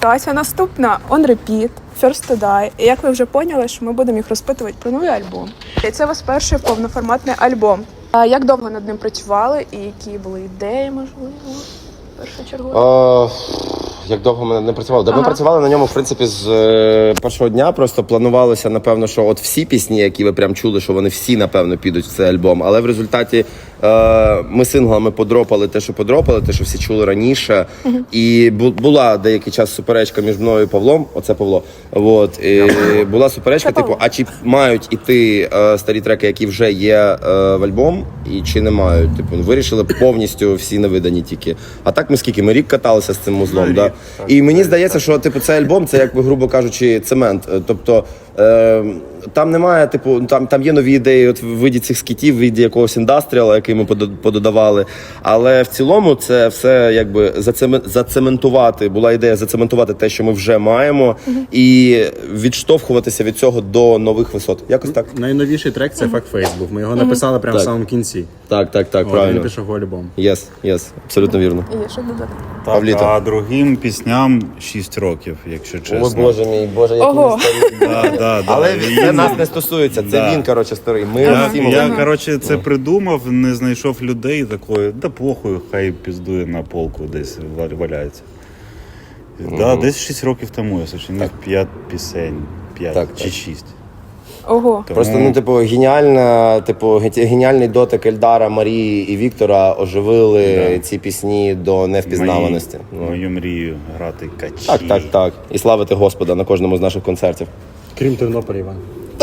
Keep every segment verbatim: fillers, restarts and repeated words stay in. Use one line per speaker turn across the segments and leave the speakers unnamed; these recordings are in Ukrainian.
ситуація наступна. On Repeat, First to Die. І як ви вже поняли, що ми будемо їх розпитувати про новий альбом. І це ваш перший повноформатний альбом. А як довго над ним працювали і які були ідеї, можливо, першочергово?
Як довго ми не працювали? Ага. Ми працювали на ньому, в принципі, з е, першого дня. Просто планувалося, напевно, що от всі пісні, які ви прям чули, що вони всі, напевно, підуть в цей альбом. Але в результаті е, ми синглами подропали те, що подропали, те, що всі чули раніше. Угу. І бу- була деякий час суперечка між мною і Павлом. Оце Павло. От. І була суперечка, типу, а чи мають іти е, старі треки, які вже є е, в альбом, і чи не мають. Типу, вирішили повністю всі невидані тільки. А так ми скільки? Ми рік каталися з цим музлом, да? І мені здається, що типу цей альбом це, як би, грубо кажучи, цемент. Тобто е, там немає, типу, там, там є нові ідеї от в виді цих скітів, в виді якогось індастріала, який ми пододавали. Але в цілому це все якби зацементувати, була ідея зацементувати те, що ми вже маємо, угу. і відштовхуватися від цього до нових висот. Якось так.
Найновіший трек це «Fuck Face» був. Ми його написали прямо в самому кінці.
Так, так, так,
О,
правильно.
Він пішов в альбом.
Єс, єс, абсолютно вірно.
І є що додати?
Так,
Павліто.
а другим пісням шість років, якщо чесно.
О, Боже мій, Боже, який
Ого.
ми старі.
Да, да, да.
Але
Він-
це нас не стосується, це
Да.
він, коротше, старий. Ми
Я,
всі
я
молоді.
коротше, це придумав, не знайшов людей такої, да похуй, хай піздує на полку десь ва- валяється. Да, десь шість років тому я сочинив п'ять пісень, п'ять
Так,
чи
так.
шість.
Ого.
Тому
Просто, ну, типу, геніальна, типу, ге- геніальний дотик Ельдара, Марії і Віктора оживили
Да.
ці пісні до невпізнаваності.
мої-
Ну.
мою мрію грати качі.
Так, так, так. І славити Господа на кожному з наших концертів.
Крім Тернополя, Іван.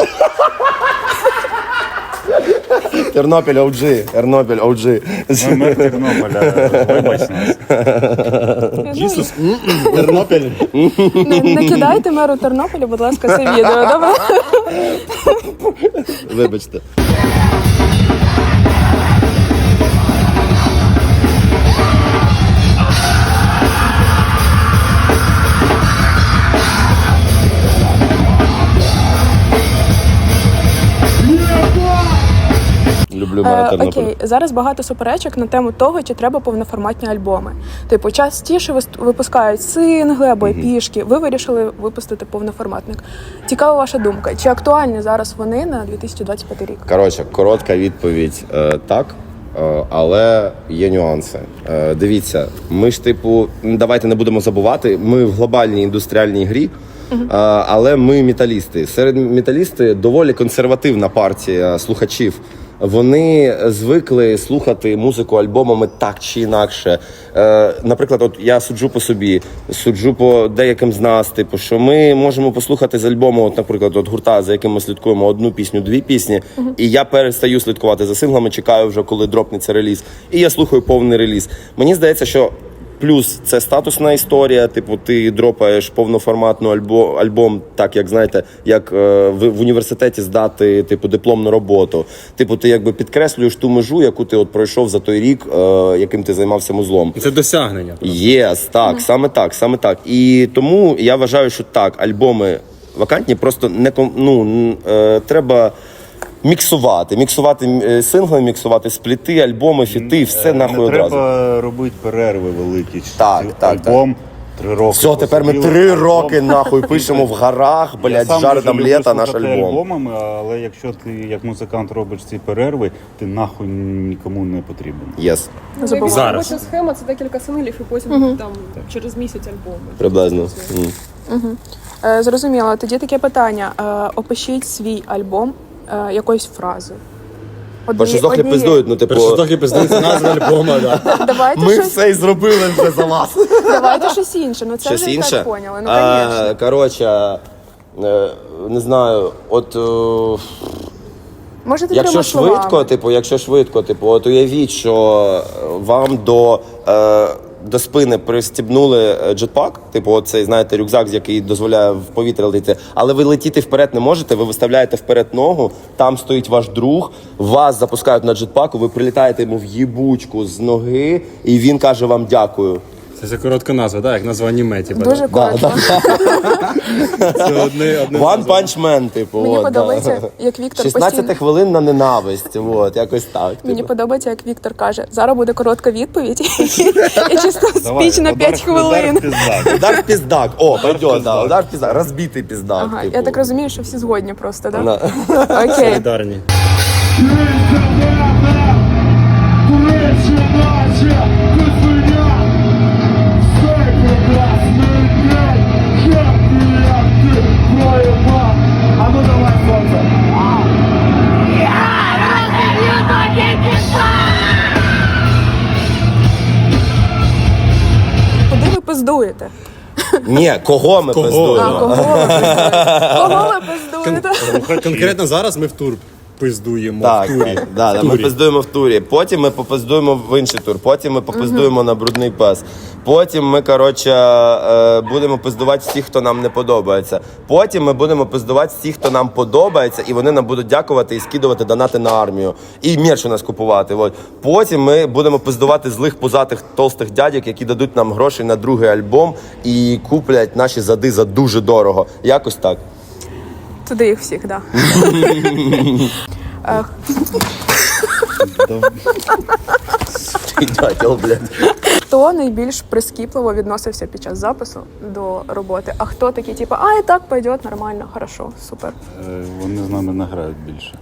Тернопіль о джі, Тернопіль о джі.
Ми мер Тернополя, вибач нас.
Ісус, Тернопіль.
Не, не кидайте меру Тернополя, будь ласка, це відео, добре?
Вибачте. Люблю мера
Е,
Тернополя.
окей, зараз багато суперечок на тему того, чи треба повноформатні альбоми. Типу, частіше вис- випускають сингли або епішки. Ви вирішили випустити повноформатник. Цікава ваша думка. Чи актуальні зараз вони на дві тисячі двадцять п'ятий рік?
Коротше, коротка відповідь е, так, е, але є нюанси. Е, дивіться, ми ж, типу, давайте не будемо забувати, ми в глобальній індустріальній грі, е, але ми металісти. Серед металісти доволі консервативна партія слухачів. Вони звикли слухати музику альбомами так чи інакше. Е, наприклад, от я суджу по собі, суджу по деяким з нас, типу, що ми можемо послухати з альбому, от, наприклад, от гурта, за яким ми слідкуємо, одну пісню, дві пісні, uh-huh. і я перестаю слідкувати за синглами, чекаю вже, коли дропнеться реліз, і я слухаю повний реліз. Мені здається, що плюс це статусна історія, типу, ти дропаєш повноформатну альбом, альбом, так як, знаєте, як е, в, в університеті здати, типу, дипломну роботу. Типу, ти якби підкреслюєш ту межу, яку ти от пройшов за той рік, е, яким ти займався музлом.
Це досягнення.
Єс, yes, так, mm. саме так, саме так. І тому я вважаю, що так, альбоми вакантні, просто не, ну, е, треба міксувати, міксувати сингли, міксувати спліти, альбоми, фіти, все нахуй
не
одразу.
Треба робити перерви великі.
Так, так,
альбом, три роки.
Все, тепер ми
посиділи,
три
альбом.
роки нахуй пишемо в горах, блядь,
Я
жари там
люблю
літа, наш
слухати
альбом.
альбомами, але якщо ти як музикант робиш ці перерви, ти нахуй нікому не потрібен.
Єс,
Забула.
Зараз.
Зараз.
Робоча схема це декілька синглів і потім uh-huh. там через місяць альбоми.
приблизно. М.
Угу. Е, зрозуміло. Тоді таке питання. Е, опишіть свій альбом е, якоюсь фразою. Одні-
Першоздохи
однією.
пиздують, ну типу,
Перше трохи пиздиться назва альбому, да.
Давайте
ми
щось,
все і зробили вже за вас.
давайте щось інше. Ну це
Щось
вже і
інше?
так поняли. Ну,
А,
звісно.
коротше, е, не знаю, от... е,
Можете
Якщо
трьома
швидко,
словами.
типу, якщо швидко, типу, от уявіть, що вам до, е, до спини пристібнули джетпак, типу, оцей, знаєте, рюкзак, який дозволяє в повітря летіти, але ви летіти вперед не можете, ви виставляєте вперед ногу, там стоїть ваш друг, вас запускають на джетпаку, ви прилітаєте йому в їбучку з ноги, і він каже вам дякую.
Це за коротка назва, так, як назва аніме, типу.
Дуже коротко.
Це одне, одне
One
назва.
Punch Man, типу.
Мені
от,
подобається,
да.
як Віктор
шістнадцять
постійно...
хвилин на ненависть, от, якось так.
Мені
Типу.
подобається, як Віктор каже, зараз буде коротка відповідь і чисто
Давай,
спіч на
удар-
п'ять хвилин.
удар в пиздак.
Удар в піздак. О, пойдет, да.
піздак.
Удар в піздак. Розбитий піздак.
Ага,
типу.
я так розумію, що всі згодні просто, так?
Да.
Да? Окей.
Солідарні.
Куди ви пиздуєте?
Ні, кого ми
Кого?
А,
пиздуємо?
кого ви пиздуєте? Кого ви пиздуєте?
Конкретно зараз ми в тур пиздуємо,
Так,
в турі.
так, да, да,
В
ми
турі.
пиздуємо в турі. Потім ми попиздуємо в інший тур. Потім ми попиздуємо на брудний пес. Потім ми, коротше, е, будемо пиздувати всіх, хто нам не подобається. Потім ми будемо пиздувати всіх, хто нам подобається, і вони нам будуть дякувати і скидувати донати на армію. І мерч у нас купувати. От. Потім ми будемо пиздувати злих пузатих толстих дядьок, які дадуть нам гроші на другий альбом і куплять наші зади за дуже дорого. Якось так.
Туди їх всіх, так. Да.
Дятел, блядь.
Хто найбільш прискіпливо відносився під час запису до роботи, а хто такий, типу, а і так пойдет, нормально, хорошо, супер.
Е, Вони з нами не грають більше.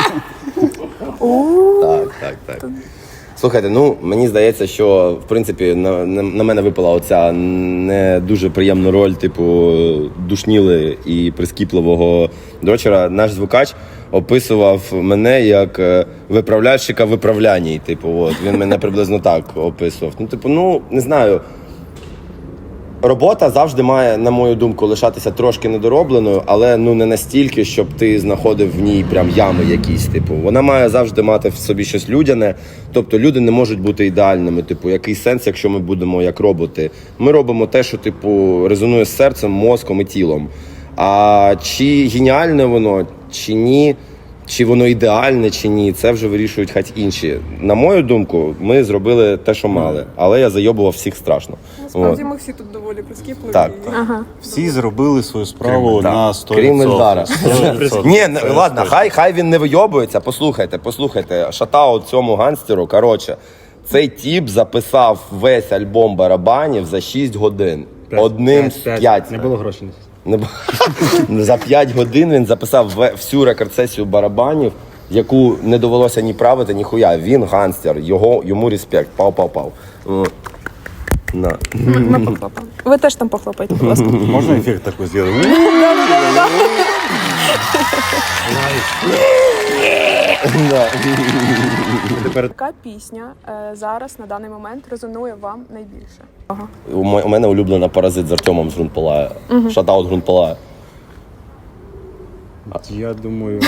Так, так, так. Слухайте, ну мені здається, що в принципі на, на, на мене випала оця не дуже приємна роль, типу, душніли і прискіпливого дрочера. Наш звукач описував мене як е, виправляльщика виправляній. Типу, от він мене приблизно так описував. Ну, типу, ну не знаю. Робота завжди має, на мою думку, лишатися трошки недоробленою, але ну не настільки, щоб ти знаходив в ній прям ями якісь. Типу, вона має завжди мати в собі щось людяне. Тобто люди не можуть бути ідеальними. Типу, який сенс, якщо ми будемо як роботи? Ми робимо те, що типу резонує з серцем, мозком і тілом. А чи геніальне воно, чи ні? Чи воно ідеальне, чи ні, це вже вирішують хай інші. На мою думку, ми зробили те, що мали, але я зайобував всіх страшно.
Насправді
От.
ми всі тут доволі прискіпливі.
Так.
і-
Ага.
Всі зробили свою справу
Так.
на сто
Крім
відсотків.
Ельдара.
сто відсотків.
Ні, не,
Це
ладно,
точно.
хай, хай він не вийобується. Послухайте, послухайте. Шатаут цьому гангстеру. Коротше, цей тіп записав весь альбом барабанів за шість годин. Одним з п'ять.
Не було грошей.
Не бу- За п'ять годин він записав ве- всю рекорд-сесію барабанів, яку не довелося ні правити, ні хуя. Він гангстер, його, йому респект. Пау-пау-пау. О, на.
Ми, ми похлопаємо. Ви теж там похлопайте, будь ласка.
Можна ефект такий зробити?
Яка пісня е, зараз на даний момент резонує вам найбільше? Ага.
У м- у мене улюблена паразит з Артемом з Грунт Палає. Шатаут Грунт Палає.
Я думаю,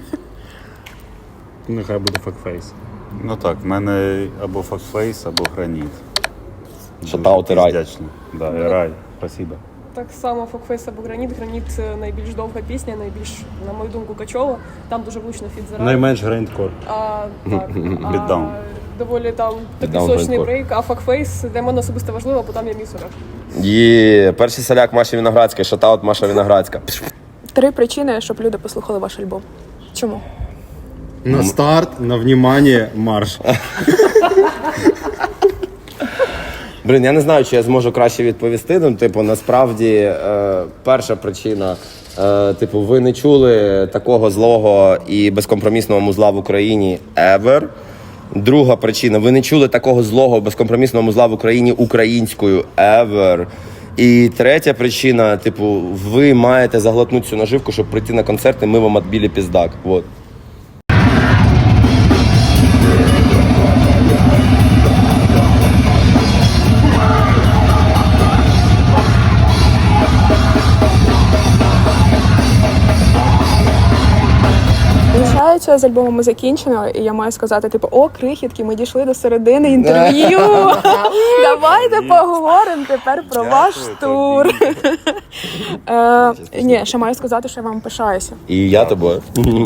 нехай буде факфейс.
Ну так, в мене або факфейс, або граніт.
Шатаут і рай.
Вдячний. Да, і рай. Спасибо.
Так само Фокфейс або Граніт. Граніт це найбільш довга пісня, найбільш, на мою думку, качова. Там дуже влучно фіт за рай.
Найменш грайндкор.
А, так,
Beatdown.
а, доволі там такий
Beatdown
сочний
grindcore.
брейк, а Фокфейс для мене особисто важливо, бо там є місорок.
Є, перший соляк Маші Виноградська, шатаут Маша Виноградська.
Три причини, щоб люди послухали ваш альбом. Чому?
На старт, на внимание, марш.
Блін, я не знаю, чи я зможу краще відповісти. Ну, типу, насправді, е, перша причина, е, типу, ви не чули такого злого і безкомпромісного музла в Україні ever. Друга причина, ви не чули такого злого безкомпромісного музла в Україні українською ever. І третя причина, типу, ви маєте заглотнути цю наживку, щоб прийти на концерт, і ми вам відбили піздак. Вот.
Виходить, з альбомом закінчено, і я маю сказати, типу, о, крихітки, ми дійшли до середини інтерв'ю. Давайте поговоримо тепер про ваш тур. Е, ні, ще маю сказати, що я вам пишаюся.
І я тобою.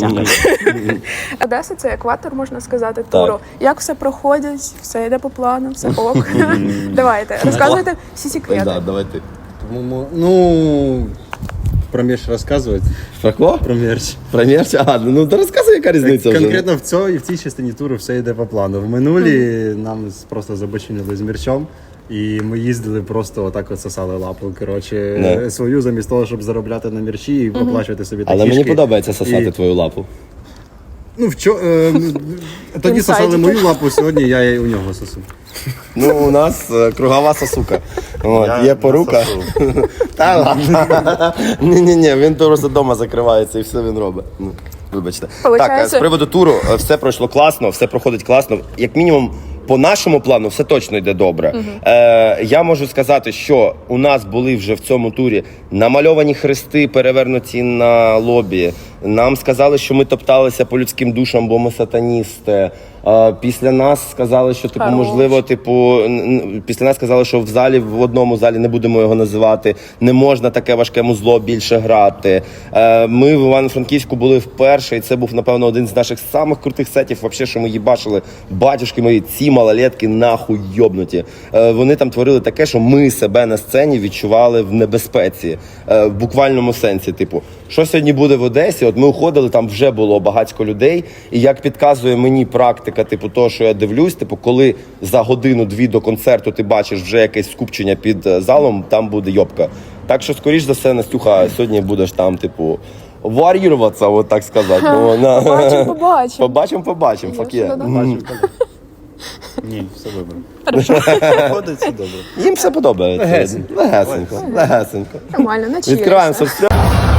Одеса – це екватор, можна сказати, туру. Як все проходить, все йде по плану, все ок. Давайте, розказуйте всі секрети.
Да, давай ти.
Тому, ну, про мерч розказувати.
Про кого?
Про мерч.
Про мерч? А, ну то розказуй, яка різниця вже.
Конкретно в цій, в цій частині туру все йде по плану. В минулі нам просто забочинили з мерчом. І ми їздили просто отак от сосали лапу, коротше,
Не.
свою, замість того, щоб заробляти на мерчі і оплачувати собі такі.
Але мені подобається сосати
І-
твою лапу.
Ну, вчо, е, тоді сосали
Інсайдики.
мою лапу, сьогодні я і у нього сосу.
Ну, у нас е, кругова сосука. От,
Я
є порука.
насосу.
Та ладно. Ні-ні-ні, він просто вдома закривається і все він робить. Ну, вибачте.
Получається-
Так, е, з приводу туру, е, все пройшло класно, все проходить класно. Як мінімум, по нашому плану все точно йде добре. Е, я можу сказати, що у нас були вже в цьому турі намальовані хрести, перевернуті на лобі. Нам сказали, що ми топталися по людським душам, бо ми сатаністи. Е, після нас сказали, що типу,
Хорош.
можливо, типу, н- н- після нас сказали, що в залі, в одному залі, не будемо його називати, не можна таке важке музло більше грати. Е, ми в Івано-Франківську були вперше, і це був, напевно, один з наших самих крутих сетів, вообще, що ми їбачили. Батюшки мої, ці малолетки нахуй йобнуті. Е, вони там творили таке, що ми себе на сцені відчували в небезпеці. Е, в буквальному сенсі, типу, що сьогодні буде в Одесі? От ми уходили, там вже було багатько людей, і як підказує мені практика, типу, того, що я дивлюсь, типу, коли за годину-дві до концерту ти бачиш вже якесь скупчення під е, залом, там буде йобка. Так що, скоріш за все, Настюха, сьогодні будеш там, типу, вар'юватися, от так сказати. Ну, на-
Побачимо, побачимо.
Побачимо, побачимо,
Я
факе.
вже додам.
Ні, все добре. Проходить все добре.
Їм все подобається.
Легесенько.
Легесенько. Легесенько.
Нормально, наче.
Відкриваємо соцстрічку.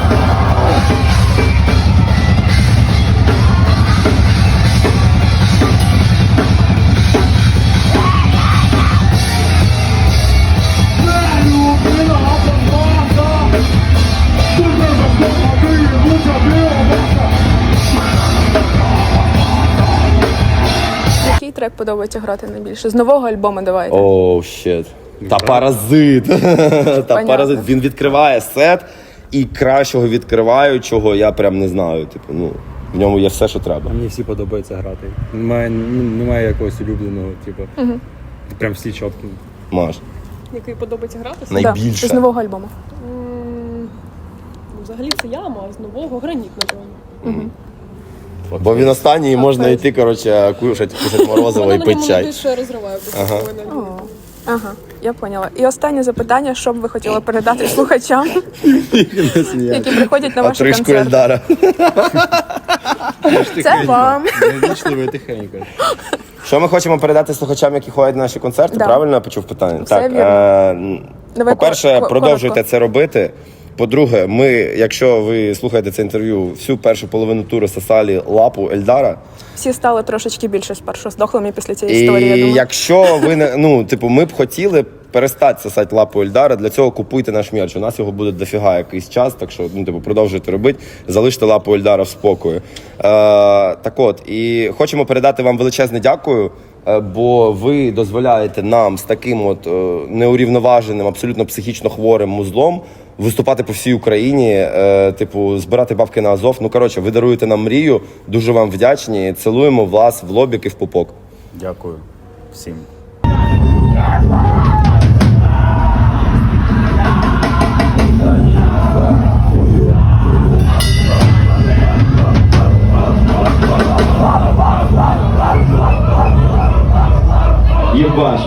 Який трек подобається грати найбільше? З нового альбому давайте.
Оу, щет. Та паразит. Та
Понятно.
паразит. Він відкриває сет, і кращого відкриваючого я прям не знаю. Типу, ну, в ньому є все, що треба.
Мені всі подобається грати. Немає, ну, немає якогось улюбленого, типу. Прям всі чіткі.
Маш.
Який подобається грати?
Най-
Да,
найбільше.
з нового альбому.
М, ну, взагалі це яма, а з нового граніт, напевно.
Бо він останній і можна йти, коротше, кушать, кушать морозиво і
Вона на
пити
ньому
чай.
найбільше розриває
Ага.
ага.
О, ага, я поняла. І останнє запитання, що б ви хотіли передати слухачам, які приходять на ваші
Отрижку
концерти.
Ельдара.
Це вам.
Невічливо і тихенько.
Що ми хочемо передати слухачам, які ходять на наші концерти?
Да.
Правильно я почув питання?
Все
так,
вірно.
е,
Давай
по-перше,
коротко.
продовжуйте це робити. По-друге, ми, якщо ви слухаєте це інтерв'ю, всю першу половину туру сосали лапу Ельдара.
Всі стали трошечки більше спершу здохлими після цієї історії, я
І
думаю.
якщо ви не ну, типу, ми б хотіли перестати сосати лапу Ельдара, для цього купуйте наш мерч. У нас його буде дофіга якийсь час, так що ну, типу, продовжуйте робити, залиште лапу Ельдара в спокої. Е, так от, і хочемо передати вам величезне дякую. е, Бо ви дозволяєте нам з таким от е, неурівноваженим, абсолютно психічно хворим музлом виступати по всій Україні, е, типу, збирати бабки на Азов. Ну, коротше, ви даруєте нам мрію, дуже вам вдячні. Цілуємо вас в лобік і в пупок.
Дякую всім.
Єбаш.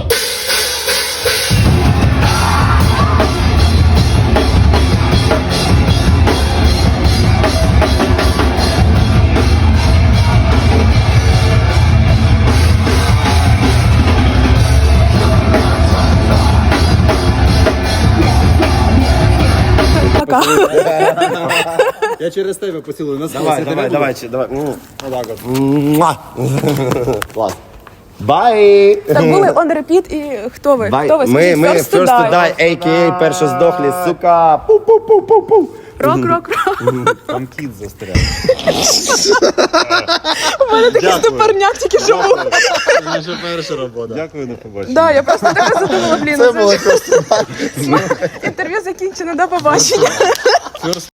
Пока.
Я через тебе поцілую. На
Давай, давай, давай, чи- давай. Ну,
Отак от.
муа. Клас. Бай!
Так були on repeat і хто ви?
Бай.
Хто ви?
Ми,
Скажіть,
ми
First to
First to
Die.
Die, а ка ей перша здохлі, сука. Пу-пу-пу-пу-пу.
Рок, рок, рок.
Там кіт застряг.
У мене такий
Дякую.
стопорняк тільки що був.
Наша перша робота.
Дякую, до побачення.
Да, я просто така задумала, блін,
Це
це
було
ж
просто
інтерв'ю закінчено, до побачення.